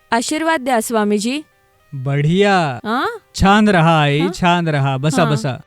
आशीर्वाद द्या स्वामीजी. बढिया. हा छान रहा आई, छान रहा. बसा हा. बसा.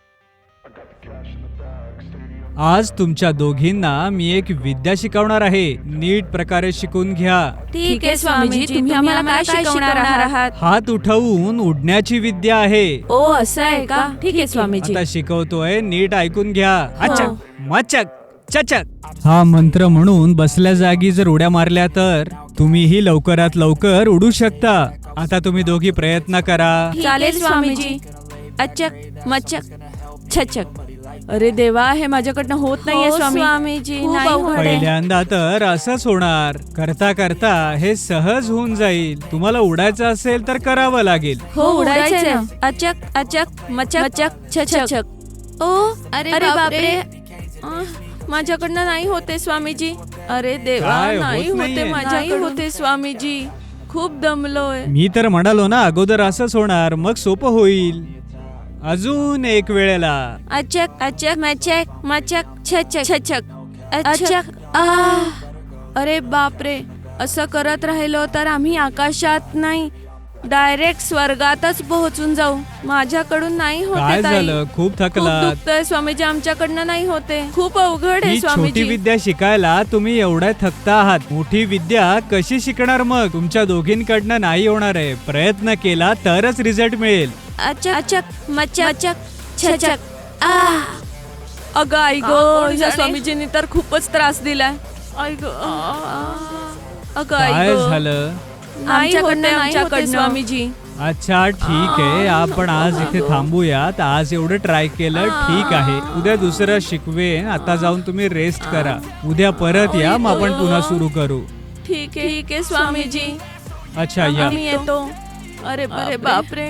आज तुमच्या दोघींना मी एक विद्या शिकवणार आहे. नीट प्रकारे शिकून घ्या. ठीक आहे स्वामीजी, तुम्ही आम्हाला काय शिकवणार आहात? हात उठवून उडण्याची विद्या आहे. ओ असं आहे का? ठीक आहे स्वामीजी. आता शिकवतोय, नीट ऐकून घ्या. हो. अचक मचक चचक हा मंत्र म्हणून बसल्या जागी जर उड्या मारल्या तर तुम्हीही लवकरात लवकर उडू शकता. आता तुम्ही दोघी प्रयत्न करा. चालेल स्वामीजी. अचक मचक छचक. अरे देवा, हे माझ्याकडनं होत नाहीये स्वामीजी. नाही होत आहे. पहिल्यांदा तर असंच होणार. करता करता हे सहज होऊन जाईल. तुम्हाला उडायचं असेल तर करावं लागेल. हो उडायचंय ना. अचक अचक मचक मचक छचक. ओ अरे बापरे, माझ्याकडनं नाही होते स्वामीजी. अरे देवा, काय होत नाही होते नाहीये? माझ्याकडून. होते स्वामीजी, खूप दमलोय. मी तर म्हणालो ना अगोदर असंच होणार, मग सोपं होईल. अजून एक वेळेला. अचक अचक मचक मचक छचक छचक अचक. अरे बापरे, असं करत राहिलो तर आम्ही आकाशात नाही, डायरेक्ट स्वर्गातच पोहोचून जाऊ. माझ्याकडून नाही होते काय ताई. झालं? खूप खूप थकलात? दुखतंय स्वामीजी, आमच्याकडनं नाही होते. खूप अवघड आहे ही छोटी स्वामीजी. विद्या शिकायला तुम्ही एवढ्या थकता आहात. मोठी विद्या कशी शिकणार मग? तुमच्या दोघींकडनं नाही होणार आहे. प्रयत्न केला तरच रिझल्ट मिळेल. अचक अचक मचक मचक छचक. अगं आई गो, या स्वामीजींनी तर खूपच त्रास दिलाय. आई गो, अगं आई काय गो. झालं? आमच्याकडनं स्वामीजी. अच्छा ठीक आहे, आपण आज इथे थांबूयात. आज एवढं ट्राय केलं, ठीक आहे. उद्या दुसरं शिकवेन. आता जाऊन तुम्ही रेस्ट करा. उद्या परत या, मग आपण पुन्हा सुरू करू. ठीक आहे स्वामीजी. अच्छा या. आम्ही येतो. अरे बापरे,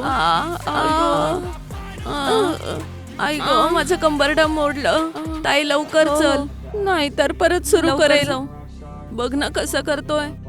आई गो, माझं कंबरडं मोडलं. ताई लवकर चल, नाही तर परत सुरू करेल. बघ ना कसं करतोय.